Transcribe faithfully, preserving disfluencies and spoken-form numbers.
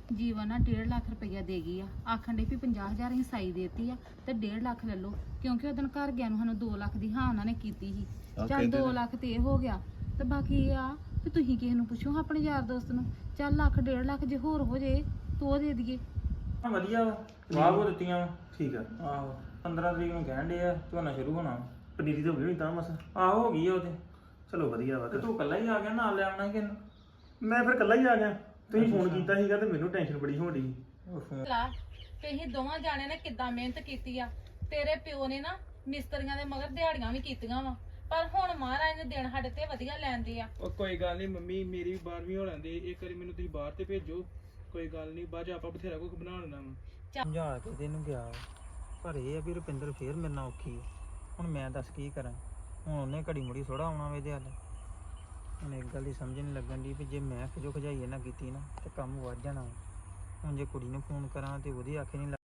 ਜੀਵਨ ਨਾ ਡੇਢ ਲੱਖ ਰੁਪਈਆ ਦੇ ਗਈ ਆ, ਆਖਣ ਡਈ ਵੀ ਪੰਜਾਹ ਹਜ਼ਾਰ ਹੀ ਸਾਈ ਦੇਤੀ ਆ ਤੇ ਡੇਢ ਲੱਖ ਲੈ ਲਓ, ਕਿਉਂਕਿ ਉਹਦਨ ਘਰ ਗਿਆ ਨੂੰ ਸਾਨੂੰ ਦੋ ਲੱਖ ਦੀ ਹਾਂ ਉਹਨਾਂ ਨੇ ਕੀਤੀ ਸੀ। ਚੱਲ ਦੋ ਲੱਖ ਤੇ ਇਹ ਹੋ ਗਿਆ, ਤੇ ਬਾਕੀ ਇਹ ਆ ਵੀ ਤੁਸੀਂ ਕਿਸੇ ਨੂੰ ਪੁੱਛੋ ਆਪਣੇ ਯਾਰ ਦੋਸਤ ਨੂੰ, ਚੱਲ ਲੱਖ ਡੇਢ ਲੱਖ ਜੇ ਹੋਰ ਹੋ ਜੇ ਤੋ ਉਹ ਦੇ ਦਈਏ। ਵਧੀਆ ਵਾ ਵਾਹ ਕੋ ਦਿੱਤੀਆਂ ਵਾ। ਠੀਕ ਆ। ਆਹੋ ਪੰਦਰਾਂ ਤਰੀਕ ਨੂੰ ਕਹਿਣ ਦੇ ਆ ਝੋਨਾ ਸ਼ੁਰੂ ਹੋਣਾ। ਪਨੀਰੀ ਤਾਂ ਹੋ ਗਈ ਹੋਣੀ ਤਾਂ ਮਸ। ਆਹੋ ਹੋ ਗਈ ਆ ਉਹਦੇ। ਚਲੋ ਵਧੀਆ ਵਾ। ਤੇ ਤੂੰ ਇਕੱਲਾ ਹੀ ਆ ਗਿਆ, ਨਾਲ ਲੈ ਆਉਣਾ ਸੀ ਕਿਹਨੂੰ? ਮੈਂ ਫਿਰ ਇਕੱਲਾ ਹੀ ਆ ਗਿਆ, ਤੁਸੀਂ ਫੋਨ ਕੀਤਾ ਸੀਗਾ ਤੇ ਮੈਨੂੰ ਟੈਨਸ਼ਨ ਬੜੀ ਹੋਣ ਡਈ ਸੀ। ਲਾ ਤੁਸੀਂ ਦੋਵਾਂ ਜਾਣਿਆਂ ਨੇ ਕਿੱਦਾਂ ਮਿਹਨਤ ਕੀਤੀ ਆ। ਤੇਰੇ ਪਿਓ ਨੇ ਨਾ ਮਿਸਤਰੀਆਂ ਦੇ ਮਗਰ ਦਿਹਾੜੀਆਂ ਵੀ ਕੀਤੀਆਂ ਵਾ, ਪਰ ਹੁਣ ਮਹਾਰਾਜ ਨੇ ਦਿਨ ਸਾਡੇ ਤੇ ਵਧੀਆ ਲੈਂਦੇ ਆ। ਉਹ ਕੋਈ ਗੱਲ ਨਹੀਂ ਮੰਮੀ, ਮੇਰੀ ਵੀ ਬਾਰਵੀਂ ਹੋ ਲੈਂਦੀ, ਇੱਕ ਵਾਰੀ ਮੈਨੂੰ ਤੁਸੀਂ ਬਾਹਰ ਤੇ ਭੇਜੋ, ਕੋਈ ਗੱਲ ਨਹੀਂ, ਬਾਅਦ ਚ ਆਪਾਂ ਬਥੇਰਾ ਕੁਝ ਬਣਾ ਲੈਣਾ ਵਾ। ਸਮਝਾ ਕੇ ਤੈਨੂੰ ਗਿਆ ਪਰ ਇਹ ਆ ਵੀ ਰੁਪਿੰਦਰ ਫੇਰ ਮੇਰੇ ਨਾਲ ਔਖੀ ਆ। ਹੁਣ ਮੈਂ ਦੱਸ ਕੀ ਕਰਾਂ, ਹੁਣ ਉਹਨੇ ਘੜੀ ਮੁੜੀ ਥੋੜਾ ਆਉਣਾ ਵੇ ਇਹਦੇ ਹੱਲ। ਹੁਣ ਇੱਕ ਗੱਲ ਦੀ ਸਮਝ ਨਹੀਂ ਲੱਗਣ ਦੀ ਵੀ ਜੇ ਮੈਂ ਖਜੋ ਖਜਾਈ ਨਾ ਕੀਤੀ ਨਾ ਤੇ ਕੰਮ ਵੱਧ ਜਾਣਾ। ਹੁਣ ਜੇ ਕੁੜੀ ਨੂੰ ਫੋਨ ਕਰਾਂ ਤੇ ਉਹਦੀ ਆਖੇ ਨਹੀਂ